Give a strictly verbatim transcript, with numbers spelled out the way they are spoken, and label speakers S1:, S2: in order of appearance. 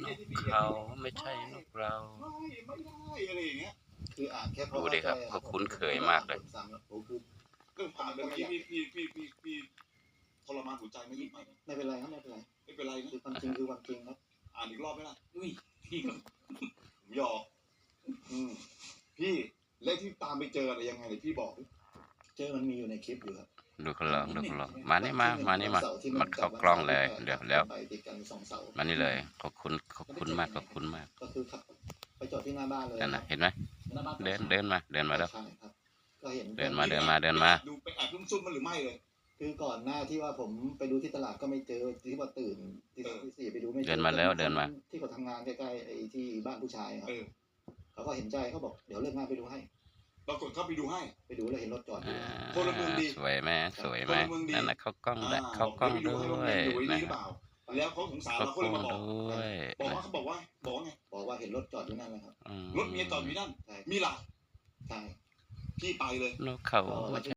S1: กเขาไม่ใช่นกเรา
S2: ไม่ไม่ได้อะไรอย่างเงี้ยคืออ่านแค่
S1: ดูดิครับก็คุ้นเคยมากเลย
S2: เรื่องผ่านเมื่อกี้พี่พี่พี่พี่พี่ทรมานหัวใจไม่ไม่ไม่เป็นไรครับไม่เป็นไรไม่เป็นไรนะคือความจริงคือความจริงครับอ่านอีกรอบไหมล่ะอุ้ยพี่ก็ผมหยอกอืมพี่และที่ตามไปเจออะไรยังไงเลยพี่บอกเจอมันมีอยู่ในคลิปอยู่ครับ
S1: ดูเขาลองดูเขาลองมานี่มามานี่มามันเข้ากล้องเลยเดี๋ยวแล้วมานี่เลยขอบคุณขอบคุณมากขอบคุณมาก
S2: ก็คือขับไปจอดที่หน้าบ้านเลย
S1: นั่นนะเห็นไหมเดินเดินมาเดินมาแล้ว
S2: ใช่ครับก็เห็น
S1: เดินมาเดินมาเดินมา
S2: ดูไปแอบซุ่มๆมันหรือไม่เลยคือก่อนหน้าที่ว่าผมไปดูที่ตลาดก็ไม่เจอที่ว่าตื่นที่ที่สี่ไปดูไม่เจอ
S1: เดินมาแล้วเดินมา
S2: ที่เขาทำงานใกล้ๆไอ้ที่บ้านผู้ชายครับเขาก็เห็นใจเขาบอกเดี๋ยวเลิกงานไปดูให้ปรากฏเขาไปดูให้ไปดูแล้วเห็นรถจอดอยู่พลเมืองดี
S1: สวยไหมสวยไหมนั่นนะเขากล้องได้เขากล้องด้วยนะครับ
S2: แล้วเขาสงสารเราเขาเลยมาบอก
S1: ด้วย
S2: บอกว่าเขาบอกว่าบอกว่าไงบอกว่าเห็นรถจอดอยู่นั่นแหละครับรถเมียจอดอยู่นั่นมีหลักใช่พี่ไปเลย
S1: นกเขา